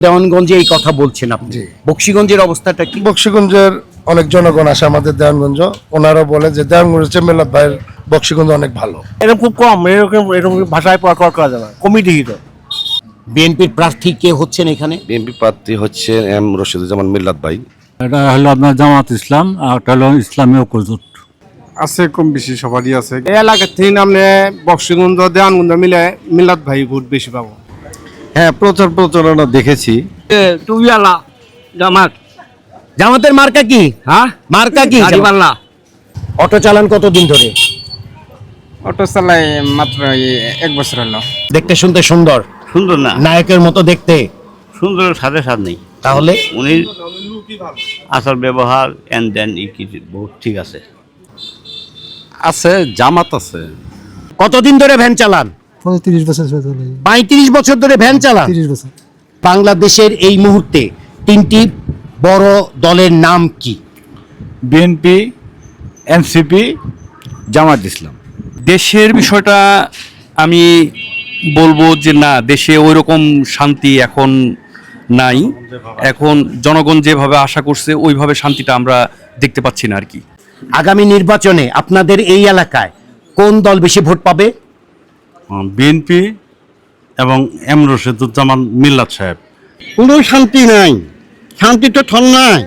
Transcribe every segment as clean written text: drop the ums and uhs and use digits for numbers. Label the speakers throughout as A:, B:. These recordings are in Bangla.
A: দেওয়ানগঞ্জে এই কথা বলছেন আপনি। বক্সিগঞ্জের অবস্থাটা কি?
B: বক্সিগঞ্জের অনেক জনগণ আসে আমাদের দেওয়ানগঞ্জ, ওনারা বলে যে দেওয়ানগঞ্জ হচ্ছে মিলাদ ভাইয়ের বক্সিগঞ্জ অনেক ভালো।
C: এরকম খুব কম, এরকম ভাষায় প্রকাশ করা যাবে কমিটি হিত।
A: বিএনপির প্রার্থী কে হচ্ছেন এখানে?
D: বিএনপি প্রার্থী হচ্ছে এম রশিদুজ্জামান মিল্লাত ভাই।
E: এটা হলো আপনার জামাত ইসলাম, আর একটা হলো ইসলামী ঐক্যজোট।
F: আছে কম বেশি সবারই আছে।
C: এই এলাকার থেকে আপনি বক্সিগঞ্জ দেওয়ানগঞ্জ মিলে মিলাদ ভাই ভোট বেশি পাবো।
F: হ্যাঁ, প্রচারণা দেখেছি।
C: টুবিয়ালা জামাত।
A: জামাতের মার্কা কি?
C: হ্যাঁ,
A: মার্কা কি?
C: গাড়িওয়ালা।
A: অটো চালান কতদিন ধরে?
C: অটো চালাই মাত্র 1 বছর হলো।
A: দেখতে শুনতে সুন্দর,
G: সুন্দর না,
A: নায়কের মতো দেখতে।
G: সুন্দরের সাথে সাথ নেই।
A: তাহলে
G: উনি আচার ব্যবহার এন্ড দেন বহুত ঠিক আছে।
F: আছে জামাত আছে।
A: কতদিন ধরে ভ্যান চালান?
H: 35 বছর
A: 35 বছর ধরে ভ্যান চালান।
H: 30 বছর।
A: বাংলাদেশের এই মুহূর্তে 3টি বড় দলের নাম কি?
E: BNP, NCP, Jamaat Islam.
I: দেশের বিষয়টা আমি বলবো যে না, দেশে ওই রকম শান্তি এখন নাই। এখন জনগণ যেভাবে আশা করছে ওইভাবে শান্তিটা আমরা দেখতে পাচ্ছি না আর কি।
A: আগামী নির্বাচনে আপনাদের এই এলাকায় কোন দল বেশি ভোট পাবে?
E: বিএনপি এবং এম রশিদুজ্জামান মিল্লাত সাহেব।
A: কোনো শান্তি নাই, শান্তি তো ঠন নাই।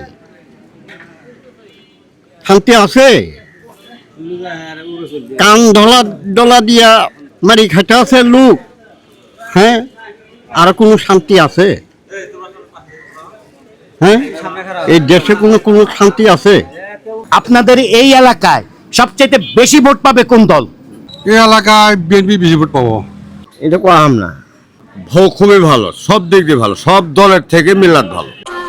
A: শান্তি আছে, কান ডলা দিয়া মারি খাইতে আছে লোক। হ্যাঁ, আর কোনো শান্তি আছে? হ্যাঁ, এই দেশে কোনো শান্তি আছে? আপনাদের এই এলাকায় সবচেয়ে বেশি ভোট পাবে কোন দল?
F: এই এলাকায় বিএনপি বেশি ভোট পাবো।
A: এটা কম না,
D: খুবই ভালো, সব দিক দিয়ে ভালো, সব দলের থেকে মিল্লাত ভালো।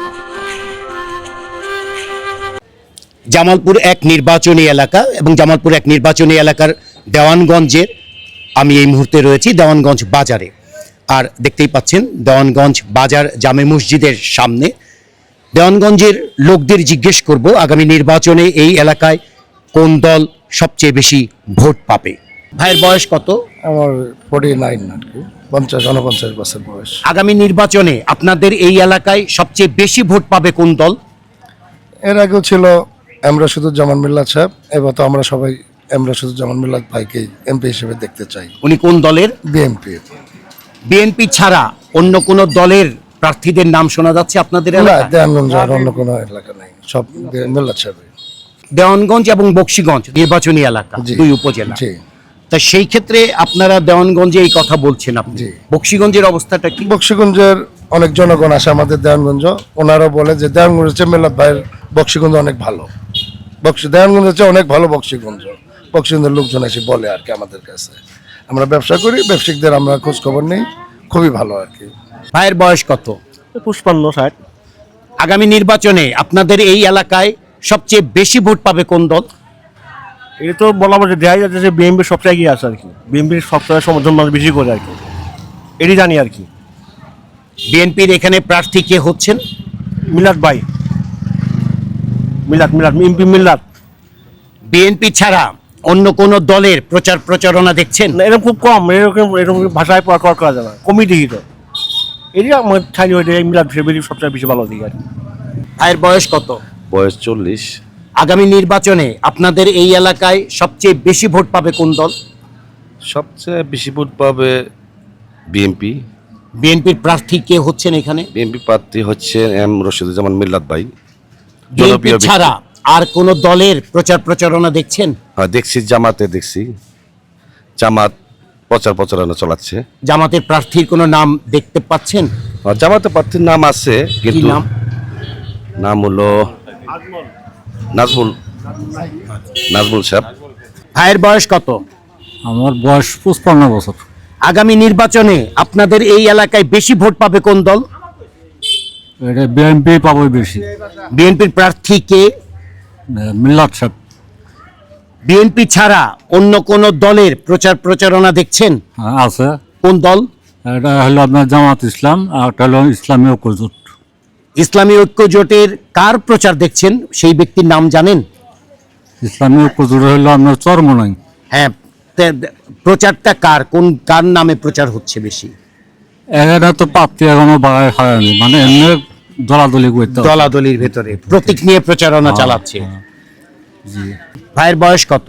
A: জামালপুর এক নির্বাচনী এলাকা এবং জামালপুর এক নির্বাচনী এলাকার দেওয়ানগঞ্জের আমি এই মুহূর্তে রয়েছি দেওয়ানগঞ্জ বাজারে। আর দেখতেই পাচ্ছেন দেওয়ানগঞ্জ বাজার জামে মসজিদের সামনে। দেওয়ানগঞ্জের লোকদের জিজ্ঞেস করব আগামী নির্বাচনে এই এলাকায় কোন দল সবচেয়ে বেশি ভোট পাবে। ভাইয়ের বয়স কত?
B: আমার 49 আর কি, 49 বছর বয়স।
A: আগামী নির্বাচনে আপনাদের এই এলাকায় সবচেয়ে বেশি ভোট পাবে কোন দল?
B: এর আগেও ছিল এম রশিদুজ্জামান মিল্লাত সাহেব, এবার তো আমরা সবাই এম রশিদুজ্জামান মিল্লাত ভাইকে এমপি হিসেবে দেখতে চাই।
A: উনি কোন দলের?
B: বিএনপি।
A: বিএনপি ছাড়া অন্য কোন দলের প্রার্থীদের নাম শোনা যাচ্ছে আপনাদের
B: না,
A: এলাকায়?
B: দেওয়ানগঞ্জ আর অন্য কোনো এলাকা নাই, সব মিল্লাত সাহেব।
A: দেওয়ানগঞ্জ এবং বক্সিগঞ্জ নির্বাচনী এলাকা,
B: জি।
A: 2 উপজেলা।
B: জি।
A: তা সেই ক্ষেত্রে আপনারা দেওয়ানগঞ্জে এই কথা বলছেন আপনি।
B: জি।
A: বক্সিগঞ্জের অবস্থাটা কি?
B: বক্সিগঞ্জের অনেক জনগণ আসে আমাদের দেওয়ানগঞ্জ, ওনারা বলে যে দেওয়ানগঞ্জ হচ্ছে মিলাদ ভাইয়ের বক্সিগঞ্জ অনেক ভালো। দেওয়ানগঞ্জ হচ্ছে অনেক ভালো বক্সিগঞ্জ। বক্সিগঞ্জের লোকজন এসে বলে আর কি আমাদের কাছে। আমরা ব্যবসা করি, ব্যবসায়িকদের আমরা খোঁজ খবর নেই, খুবই ভালো আর কি।
A: ভাইয়ের বয়স কত?
C: 55-60।
A: আগামী নির্বাচনে আপনাদের এই এলাকায় সবচেয়ে বেশি ভোট পাবে কোন দল?
C: এটা তো বলা বলছে দেখা যাচ্ছে যে বিএনপি সবচেয়ে এগিয়ে আছে আর কি। বিএনপির সবচেয়ে সমর্থন মানুষ বেশি করে আর কি, এটি জানি আর কি।
A: বিএনপির এখানে প্রার্থী কে হচ্ছেন?
C: মিলাদ ভাই, মিলাদ এমপি মিলাদ।
A: বিএনপি ছাড়া অন্য কোন দলের প্রচারণা দেখছেন?
C: না, এরকম খুব কম, এরকম ভাষায় প্রকাশ করা যাবে কমিটি হিত। এটি আমার ঠাই হয়ে মিলাদ সবচেয়ে বেশি ভালো দিকে আর কি।
A: ভাইয়ের বয়স কত?
D: বয়স 40।
A: আগামী নির্বাচনে আপনাদের এই এলাকায় সবচেয়ে বেশি ভোট পাবে কোন দল?
D: সবচেয়ে বেশি ভোট পাবে বিএনপি।
A: বিএনপির প্রার্থী কে হচ্ছেন এখানে?
D: বিএনপি প্রার্থী হচ্ছে এম রশিদুজ্জামান মিল্লাত ভাই।
A: বিএনপি ছাড়া আর কোন দলের প্রচারণা দেখছেন?
D: হ্যাঁ, দেখছি, দেখছি জামাত প্রচারণা চালাচ্ছে।
A: জামাতের প্রার্থীর কোনো নাম দেখতে পাচ্ছেন?
D: জামাতের প্রার্থীর নাম আছে,
A: কি
D: কিন্তু
A: নাম?
D: নাম হলো নাজমুল সাহেব।
A: ভাইয়ের বয়স কত?
E: আমার বয়স 55 বছর।
A: আগামী নির্বাচনে আপনাদের এই এলাকায় বেশি ভোট পাবে কোন দল?
E: এটা বিএনপি পাবো বেশি।
A: বিএনপির প্রার্থী কে?
E: মিল্লাত সাহেব।
A: বিএনপি ছাড়া অন্য কোন দলের প্রচারণা দেখছেন?
E: হ্যাঁ, আছে।
A: কোন দল?
E: এটা হলো আপনার জামাত ইসলাম, আর একটা হলো ইসলামী ঐক্যজোট।
A: ইসলামী ঐক্য জোটের কার প্রচার দেখছেন, সেই ব্যক্তির নাম জানেন?
E: ইসলামী ঐক্যজোট হলো আপনার চরমনাই।
A: হ্যাঁ, প্রচারটা কার নামে প্রচার হচ্ছে বেশি?
E: এখানে তো প্রাপ্তি এখনো বাড়ায় হয়নি, মানে এমনি দলাদলি করতে হবে।
A: দলাদলির ভেতরে প্রতীক নিয়ে প্রচারণা চালাচ্ছে। ভাইয়ের বয়স কত?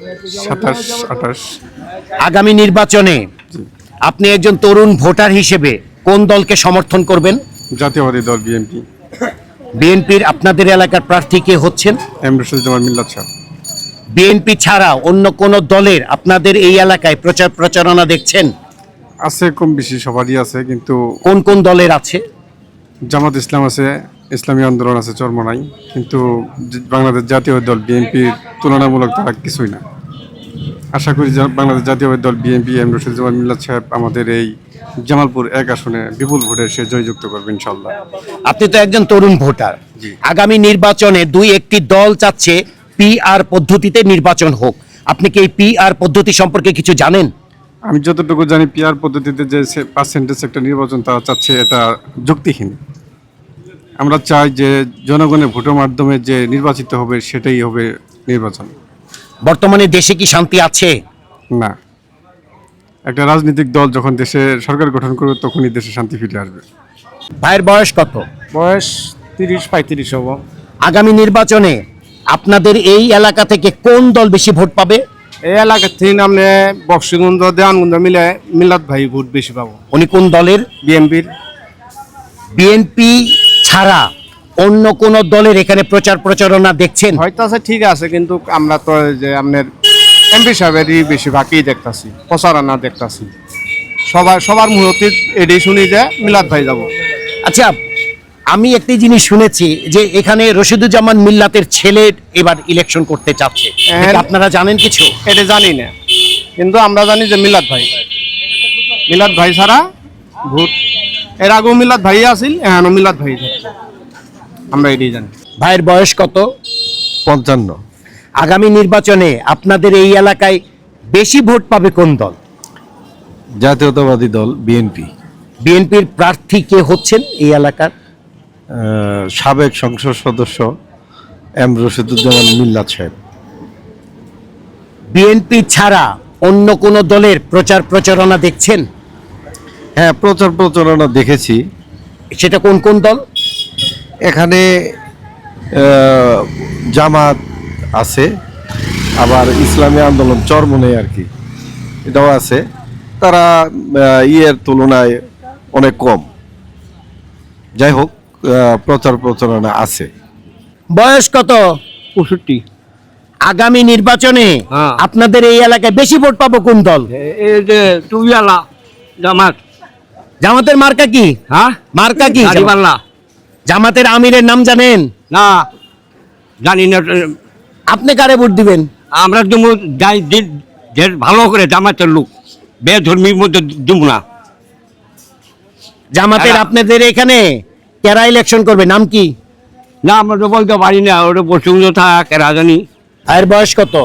F: 27-28।
A: আগামী নির্বাচনে আপনি একজন তরুণ ভোটার হিসেবে কোন দলকে সমর্থন করবেন?
F: জাতীয়বাদী দল বিএনপি,
A: বিএনপির আপনাদের এলাকার প্রার্থী কে হচ্ছেন?
F: এম রশিদুজ্জামান মিল্লাত সাহেব।
A: বিএনপি ছাড়া অন্য কোন দলের আপনাদের এই এলাকায় প্রচার প্রচারণা দেখছেন?
F: আছে কম বেশি সবারই আছে, কিন্তু
A: কোন কোন দলের আছে?
F: জামাত ইসলাম আছে, ইসলামী আন্দোলন আছে চরমনাই, কিন্তু বাংলাদেশ জাতীয় দল বিএনপির তুলনামূলক তারা কিছুই না। আশা করি যে বাংলাদেশ জাতীয় দল বিএনপি এম রশিদুজ্জামান মিল্লাত সাহেব আমাদের এই জামালপুর 1 আসনে বিপুল ভোটে সে জয়যুক্ত করবে ইনশাল্লাহ।
A: আপনি তো একজন তরুণ ভোটার।
F: জি।
A: আগামী নির্বাচনে একটি দল চাচ্ছে পিআর পদ্ধতিতে নির্বাচন হোক। আপনি কি এই পিআর পদ্ধতি সম্পর্কে কিছু জানেন?
F: আমি যতটুকু জানি পিআর পদ্ধতিতে যে পার্সেন্টেজ একটা নির্বাচন তারা চাচ্ছে, এটা যুক্তিহীন। আমরা চাই যে জনগণের ভোটের মাধ্যমে যে নির্বাচিত হবে সেটাই হবে নির্বাচন।
A: বর্তমানে দেশে কি শান্তি আছে?
F: না, একটা রাজনৈতিক দল যখন দেশে সরকার গঠন করবে তখনই দেশে শান্তি ফিরে আসবে।
A: ভাইয়ের বয়স কত?
C: বয়স 30-35 হবো।
A: আগামী নির্বাচনে আপনাদের এই এলাকা থেকে কোন দল বেশি ভোট পাবে?
C: এই এলাকার থেকে আপনি বক্সিগঞ্জ দেওয়ানগঞ্জ মিলে মিল্লাত ভাই ভোট বেশি পাবো।
A: উনি কোন দলের?
C: বিএনপির।
A: বিএনপি ছাড়া অন্য কোন দলের এখানে প্রচার প্রচারণা দেখছেন?
C: হয়তো আছে, ঠিক আছে, কিন্তু আমরা তো যে আপনার এমপি সাহেবেরই বেশিরভাগই দেখতাছি, প্রচারণা দেখতাছি। সবার মুহূর্তে এটাই শুনি যে মিলাদ ভাই যাব।
A: আচ্ছা, আমি একটি জিনিস শুনেছি যে এখানে রশিদুজ্জামান মিল্লাতের ছেলে এবার ইলেকশন করতে চাচ্ছে। এটা কি আপনারা জানেন কিছু?
C: এটা জানি না, কিন্তু আমরা জানি যে মিলাদ ভাই ছাড়া ভোট, এর আগেও মিলাদ ভাই আসিল, এখনো মিলাদ ভাই থাকছে। আমরা এটাই জানি।
A: ভাইয়ের বয়স কত?
F: 55।
A: আগামী নির্বাচনে আপনাদের এই এলাকায় বেশি ভোট পাবে কোন দল?
F: জাতীয়তাবাদী দল বিএনপি,
A: বিএনপির প্রার্থী কে হচ্ছেন এই এলাকার?
F: সাবেক সংসদ সদস্য এম রশিদুজ্জামান মিল্লাত সাহেব।
A: বিএনপি ছাড়া অন্য কোন দলের প্রচার প্রচারণা দেখছেন?
F: হ্যাঁ, প্রচার প্রচারণা দেখেছি।
A: সেটা কোন কোন দল?
F: এখানে জামাত আছে, আবার ইসলামী আন্দোলন চরমনে আর কি, এটাও আছে। তারা ইয়ের তুলনায় অনেক কম। যাই হোক, প্রচার প্রচারণা আছে।
A: বয়স কত?
C: 65।
A: আগামী নির্বাচনে আপনাদের এই এলাকায় বেশি ভোট পাবো কোন দল?
C: এই যে টুবিয়ালা জামাত।
A: জামাতের মার্কা কি?
C: হ্যাঁ,
A: মার্কা কি?
C: গাড়িওয়ালা।
A: জামাতের আমিরের নাম জানেন?
C: না, জানি না।
A: আপনি কারে ভোট দিবেন?
C: আমরা দেবো যে ভালো করে জামাতের লোক, বেধর্মীর মধ্যে দেব না।
A: জামাতের আপনাদের এখানে কারা ইলেকশন করবে, নাম কি?
C: না, আমরা তো বলতে পারি না, ওটা বসে থাক রাজানি।
A: ভাইয়ের বয়স কত?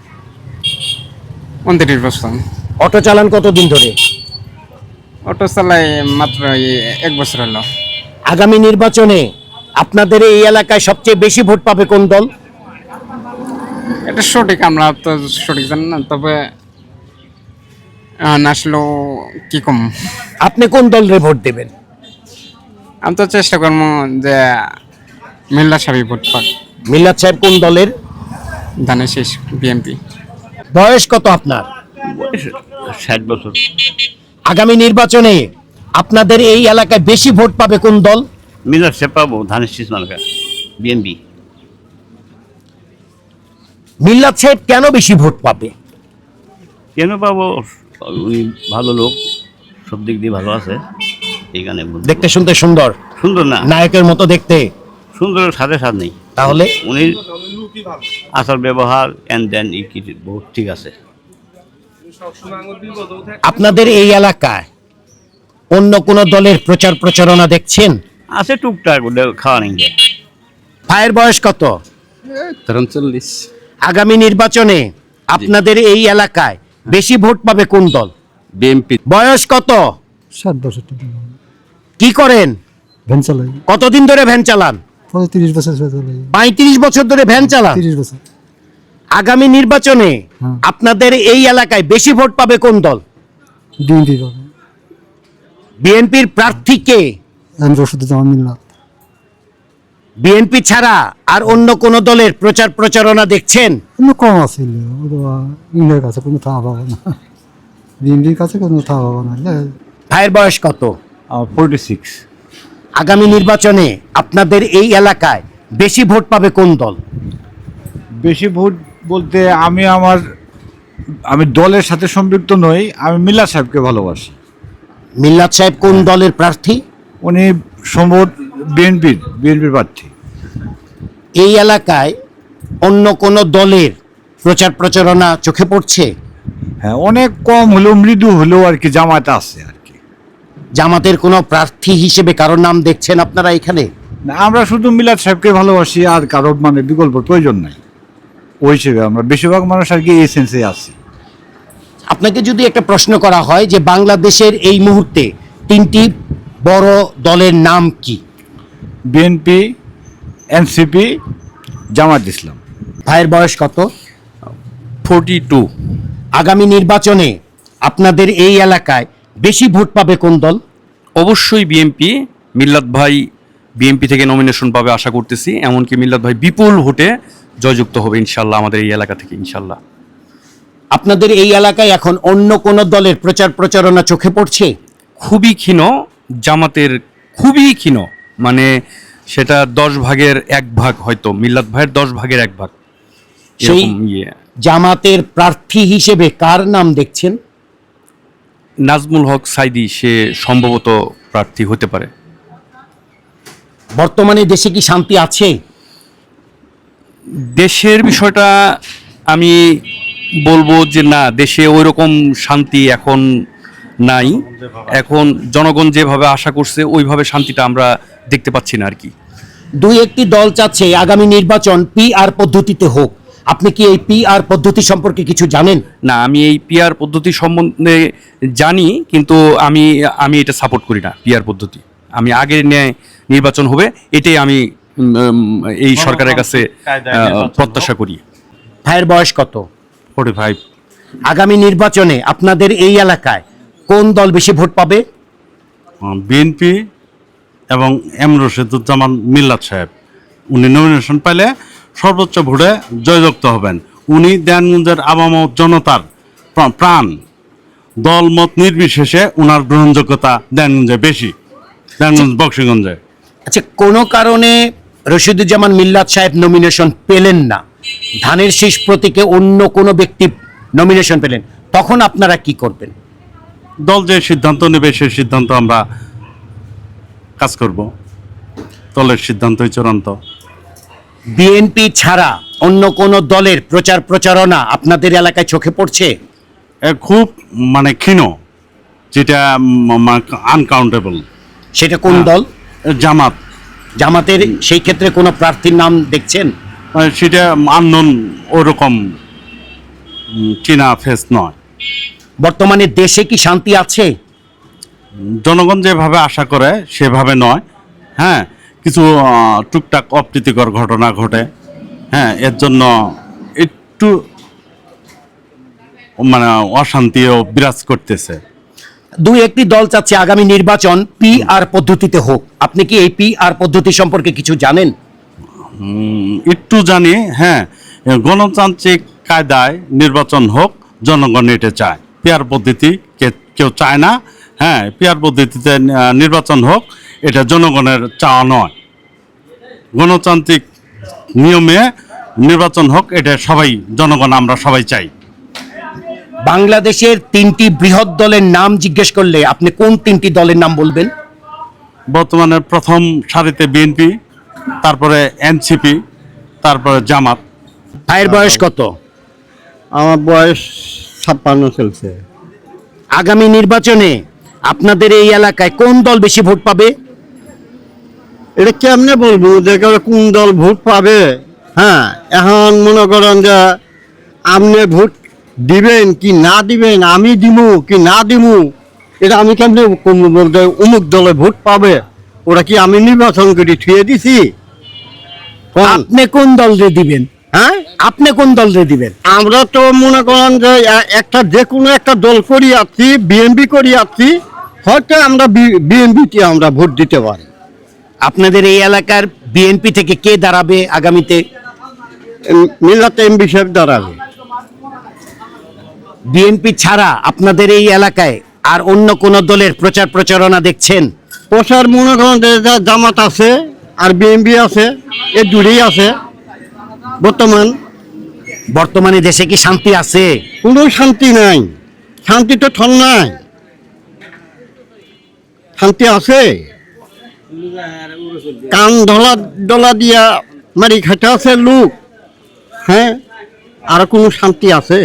H: 29 বছর।
A: অটো চালান কতদিন ধরে?
H: অটো চালাই মাত্র 1 বছর হলো।
A: আগামী নির্বাচনে আপনাদের এই এলাকায় সবচেয়ে বেশি ভোট পাবে কোন দল?
H: এটা সঠিক আমরা তো সঠিক জানি না, তবে আসলো কি কম।
A: আপনি কোন দলের ভোট দেবেন?
H: আমি তো চেষ্টা করবো যে মিল্লা সাহেব ভোট পাক।
A: মিল্লাত সাহেব কোন দলের?
H: ধানের শেষ বিএনপি।
A: বয়স কত আপনার?
G: 60 বছর।
A: আগামী নির্বাচনে আপনাদের এই এলাকায় বেশি ভোট পাবে কোন দল?
G: মিলাদ সাহেব পাবো, ধানের শীষ মার্কা বিএনপি।
A: মিল্লাত সাহেব কেন বেশি ভোট পাবে?
G: কেন পাবো? উনি ভালো লোক, সব দিক দিয়ে ভালো আছে, এইখানে বলতে।
A: দেখতে শুনতে সুন্দর,
G: সুন্দর না,
A: নায়কের মতো দেখতে।
G: সুন্দরের সাথে সাথ নেই।
A: তাহলে
G: উনি আচার ব্যবহার এন্ড দেন বহুত ঠিক আছে।
A: আপনাদের এই এলাকায় অন্য কোন দলের প্রচার প্রচারণা দেখছেন?
G: আছে টুকটাক, খাওয়া নেই।
A: ভাইয়ের বয়স কত?
F: 43।
A: আগামী নির্বাচনে আপনাদের এই এলাকায় বেশি ভোট পাবে কোন দল?
F: বিএনপি।
A: বয়স কত?
J: 7 বছর।
A: কি করেন?
J: ভ্যান চালাই।
A: কতদিন ধরে ভ্যান চালান?
J: 35 বছর চালাই।
A: 35 বছর ধরে ভ্যান চালান।
J: 30 বছর।
A: আগামী নির্বাচনে আপনাদের এই এলাকায় বেশি ভোট পাবে কোন দল?
J: বিএনপি পাবে।
A: বিএনপির প্রার্থী কে?
J: এম রশিদুজ্জামান মিল্লাত।
A: বিএনপি ছাড়া আর অন্য কোন দলের প্রচার প্রচারণা দেখছেন?
J: কিন্তু কম আছিল, ইন্ডিয়ার কাছে কোনো ঠা পাবো না, বিএনপির কাছে কোনো ঠা পাবো না।
A: ভাইয়ের বয়স কত?
E: 46।
A: আগামী নির্বাচনে আপনাদের এই এলাকায় বেশি ভোট পাবে কোন দল?
E: বেশি ভোট বলতে আমি দলের সাথে সম্পৃক্ত নই, আমি মিল্লাত সাহেবকে ভালোবাসি।
A: মিল্লাত সাহেব কোন দলের প্রার্থী?
E: উনি সম্ভবত বিএনপির প্রার্থী।
A: এই এলাকায় অন্য কোন দলের প্রচার প্রচারণা চোখে পড়ছে?
E: হ্যাঁ, অনেক কম হলেও, মৃদু হলেও আর কি জামায়াত আছে আর কি।
A: জামাতের কোনো প্রার্থী হিসেবে কারোর নাম দেখছেন আপনারা এখানে?
E: না, আমরা শুধু মিল্লাত সাহেবকে ভালোবাসি, আর কারো মানে বিকল্প প্রয়োজন নাই। ওই হিসেবে আমরা বেশিরভাগ মানুষ আর কি এই সেন্সে আছি।
A: আপনাকে যদি একটা প্রশ্ন করা হয় যে বাংলাদেশের এই মুহূর্তে 3টি বড় দলের নাম কি?
E: BNP, NCP, Jamaat Islam.
A: ভাইয়ের বয়স কত?
I: 42।
A: আগামী নির্বাচনে আপনাদের এই এলাকায় বেশি ভোট পাবে কোন দল?
I: অবশ্যই বিএনপি। মিল্লাত ভাই বিএনপি থেকে নমিনেশন পাবে আশা করতেছি, এমনকি মিল্লাত ভাই বিপুল ভোটে জয়যুক্ত হবে ইনশাল্লাহ আমাদের এই এলাকা থেকে, ইনশাল্লাহ।
A: আপনাদের এই এলাকায় এখন অন্য কোন দলের প্রচার প্রচারণা চোখে পড়ছে?
I: খুবই ক্ষীণ, জামাতের খুবই ক্ষীণ, মানে সেটা 10 ভাগের 1 ভাগ, হয়তো মিল্লাত ভাইয়ের 10 ভাগের 1 ভাগ।
A: সেই
I: এরকম ইয়ে।
A: জামাতের প্রার্থী হিসেবে কার নাম দেখছেন?
I: নাজমুল হক সাইদি, সে সম্ভবত প্রার্থী হতে পারে।
A: বর্তমানে দেশে কি শান্তি আছে?
I: দেশের বিষয়টা আমি বলবো যে না, দেশে ওই রকম শান্তি এখন নাই। এখন জনগণ যেভাবে আশা করছে ওইভাবে শান্তিটা আমরা দেখতে পাচ্ছি না আর কি।
A: দুই একটি দল চাচ্ছে আগামী নির্বাচন পিআর পদ্ধতিতে হোক। আপনি কি এই পিআর পদ্ধতি সম্পর্কে কিছু জানেন?
I: না, আমি এই পিআর পদ্ধতি সম্বন্ধে জানি, কিন্তু আমি এটা সাপোর্ট করি না। পিআর পদ্ধতি আমি আগের ন্যায় নির্বাচন হবে, এটাই আমি এই সরকারের কাছে প্রত্যাশা করি।
A: ভাইয়ের বয়স কত?
I: 45।
A: আগামী নির্বাচনে আপনাদের এই এলাকায় কোন দল বেশি ভোট পাবে?
K: বিএনপি এবং এম রশিদুজ্জামান মিল্লাত সাহেব, উনি নমিনেশন পেলে সর্বোচ্চ ভোটে জয়যুক্ত হবেন। উনি দেওয়ানগঞ্জের আবাম জনতার প্রাণ, দলমত নির্বিশেষে উনার গ্রহণযোগ্যতা দেওয়ানগঞ্জে বেশি, দেওয়ানগঞ্জ বক্সিগঞ্জে।
A: আচ্ছা, কোনো কারণে রশিদুজ্জামান মিল্লাত সাহেব নমিনেশন পেলেন না, ধানের শীষ প্রতীকে অন্য কোনো ব্যক্তি নমিনেশন পেলেন, তখন আপনারা কি করবেন?
K: দল যে সিদ্ধান্ত নেবে সেই সিদ্ধান্ত আমরা কাজ করব, দলের সিদ্ধান্তই চূড়ান্ত।
A: বিএনপি ছাড়া অন্য কোন দলের প্রচার প্রচারণা আপনাদের এলাকায় চোখে পড়ছে?
K: খুব মানে ক্ষীণ, যেটা আনকাউন্টেবল।
A: সেটা কোন দল?
K: জামাত।
A: জামাতের সেই ক্ষেত্রে কোনো প্রার্থীর নাম দেখছেন?
K: সেটা আননোন, ওরকম চীনা ফেস নয়।
A: বর্তমানে দেশে কি শান্তি আছে?
K: জনগণ যেভাবে আশা করে সেভাবে নয়। হ্যাঁ, কিছু টুকটাক অপ্রীতিকর ঘটনা ঘটে। হ্যাঁ, এর জন্য একটু মানে অশান্তিও বিরাজ করতেছে।
A: দুই একটি দল চাচ্ছে আগামী নির্বাচন পিআর পদ্ধতিতে হোক। আপনি কি এই পিআর পদ্ধতি সম্পর্কে কিছু জানেন?
K: একটু জানি। হ্যাঁ, গণতান্ত্রিক কায়দায় নির্বাচন হোক, জনগণ এটা চায়। পিআর পদ্ধতি কেউ চায় না। হ্যাঁ, পিআর পদ্ধতিতে নির্বাচন হোক, এটা জনগণের চাওয়া নয়। গণতান্ত্রিক নিয়মে নির্বাচন হোক, এটা সবাই, জনগণ আমরা সবাই চাই।
A: বাংলাদেশের 3টি বৃহৎ দলের নাম জিজ্ঞেস করলে আপনি কোন 3টি দলের নাম বলবেন?
K: বর্তমানে প্রথম সারিতে বিএনপি, তারপরে এনসিপি, তারপরে জামাত।
A: ভাইয়ের বয়স কত?
E: আমার বয়স 56 চলছে।
A: আগামী নির্বাচনে আপনাদের এই এলাকায় কোন দল বেশি ভোট পাবে?
E: এটা কেমনে বলবো যে কোন দল ভোট পাবে? হ্যাঁ, এখন মনে করেন যে আপনি ভোট দিবেন কি না দিবেন, আমি দিমু কি না দিমু, এটা আমি কেমনে বলতে অমুক দলে ভোট পাবে? ওরা কি আমি নির্বাচন করে থুয়ে দিছি?
A: আপনি কোন দলরে দিবেন?
E: হ্যাঁ,
A: আপনি কোন দলরে দিবেন?
E: আমরা তো মনে করেন যে একটা যে কোনো একটা দল করি আসছি, বিএনপি করি আসছি, হয়তো আমরা বিএনপিতে আমরা ভোট দিতে পারি।
A: আপনাদের এই এলাকার বিএনপি থেকে কে দাঁড়াবে আগামীতে?
E: মিল্লাত এমপি সাহেব দাঁড়াবে।
A: বিএনপি ছাড়া আপনাদের এই এলাকায় আর অন্য কোন দলের প্রচার প্রচারণা দেখছেন?
E: প্রচার মনে করেন যে জামাত আছে আর বিএনপি আছে, এই দুটোই আছে।
A: বর্তমানে দেশে কি শান্তি আছে?
E: কোনো শান্তি নাই, শান্তি তো ঠন নাই। শান্তি আছে? কান ডলা দিয়া মারি খাইতে আছে লোক, হ্যাঁ? আর কোনো শান্তি আছে?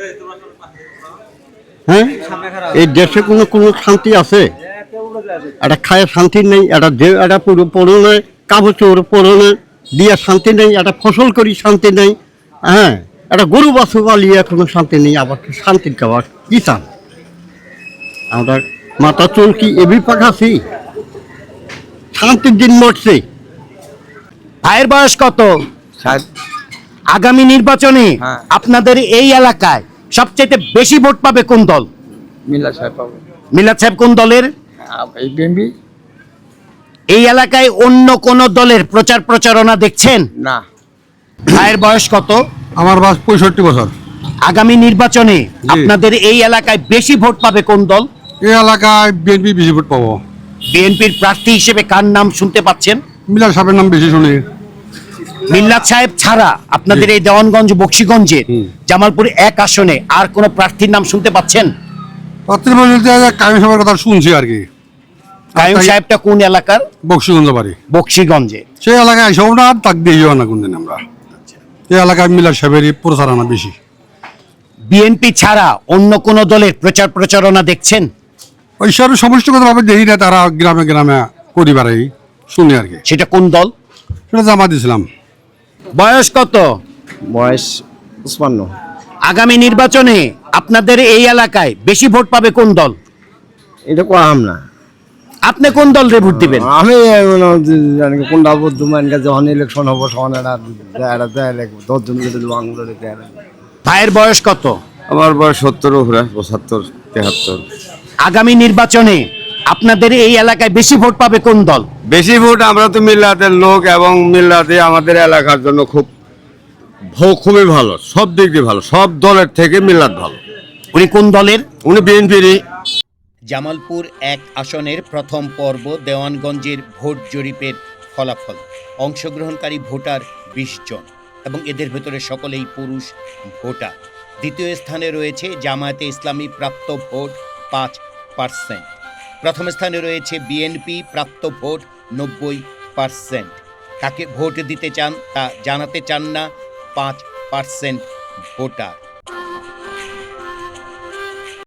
E: হ্যাঁ, এই দেশে কোনো শান্তি আছে? এটা খায় শান্তি নেই, এটা পরনে কাপড় চোর পরনে দিয়ে শান্তি নেই, এটা ফসল করি শান্তি নেই, হ্যাঁ? এটা গরু বাছু পালিয়ে কোনো শান্তি নেই, আবার শান্তির খাবার কি চান? আমরা মাথা চুল কি এবি পাকাছি? শান্তির দিন মরছে।
A: ভাইয়ের বয়স কত? আগামী নির্বাচনে আপনাদের এই এলাকায় সবচেয়ে বেশি ভোট পাবে কোন দল?
H: মিল্লাত সাহেব পাবো।
A: মিলাদ সাহেব কোন দলের?
H: এই বিএনপি।
A: এই এলাকায় অন্য কোন দলের প্রচার প্রচারণা দেখছেন?
H: না।
A: ভাইয়ের বয়স কত?
F: আমার বয়স 65 বছর।
A: আগামী নির্বাচনে আপনাদের এই এলাকায় বেশি ভোট পাবে কোন দল?
F: এই এলাকায় বিএনপি বেশি ভোট পাবো।
A: বিএনপির প্রার্থী হিসেবে কার নাম শুনতে পাচ্ছেন?
F: মিল্লাত সাহেবের নাম বেশি শুনি।
A: মিল্লাত সাহেব ছাড়া আপনাদের এই দেওয়ানগঞ্জ বক্সিগঞ্জে জামালপুর 1 আসনে আর কোন প্রার্থীর নাম শুনতে পাচ্ছেন?
F: কায়ম সাহেবের কথা শুনছি আর কি।
A: কায়ুম সাহেবটা কোন এলাকার?
F: বক্সিগঞ্জ বাড়ি।
A: বক্সিগঞ্জে।
F: সেই এলাকায় এসব না তাক দিয়েও না কোনদিন আমরা। এই এলাকায় মিল্লাত সাহেবেরই প্রচারণা বেশি।
A: বিএনপি ছাড়া অন্য কোন দলের প্রচার প্রচারণা দেখছেন?
F: ওই সব সমষ্টিগতভাবে দেখি না, তারা গ্রামে গ্রামে পরিবারেই শুনি আর কি।
A: সেটা কোন দল?
F: সেটা জামাত ইসলাম।
A: বয়স কত?
C: বয়স 55।
A: আগামী নির্বাচনে আপনাদের এই এলাকায় বেশি ভোট পাবে কোন দল?
C: এটা কম না।
A: আপনি কোন দলরে ভোট দিবেন?
C: আমি কোনটা বুদ্ধমান যখন ইলেকশন হবো তখন
A: ভাইয়ের বয়স কত?
D: আমার বয়স 70 উপরে, 75, 73।
A: আগামী নির্বাচনে আপনাদের এই এলাকায় বেশি ভোট পাবে কোন দল?
D: বেশি ভোট আমরা তো মিল্লাতের লোক, এবং মিল্লাতে আমাদের এলাকার জন্য খুবই ভালো, সব দিক দিয়ে ভালো, সব দলের থেকে মিল্লাত ভালো।
A: উনি কোন দলের?
D: উনি বিএনপিরই।
A: জামালপুর 1 আসনের প্রথম পর্ব দেওয়ানগঞ্জের ভোট জরিপের ফলাফল। অংশগ্রহণকারী ভোটার 20 জন এবং এদের ভেতরে সকলেই পুরুষ ভোটার। দ্বিতীয় স্থানে রয়েছে জামায়াতে ইসলামী, প্রাপ্ত ভোট 5%। প্রথম স্থানে রয়েছে বিএনপি, প্রাপ্ত ভোট 90%। কাকে ভোট দিতে চান তা জানাতে চান না 5% ভোটার।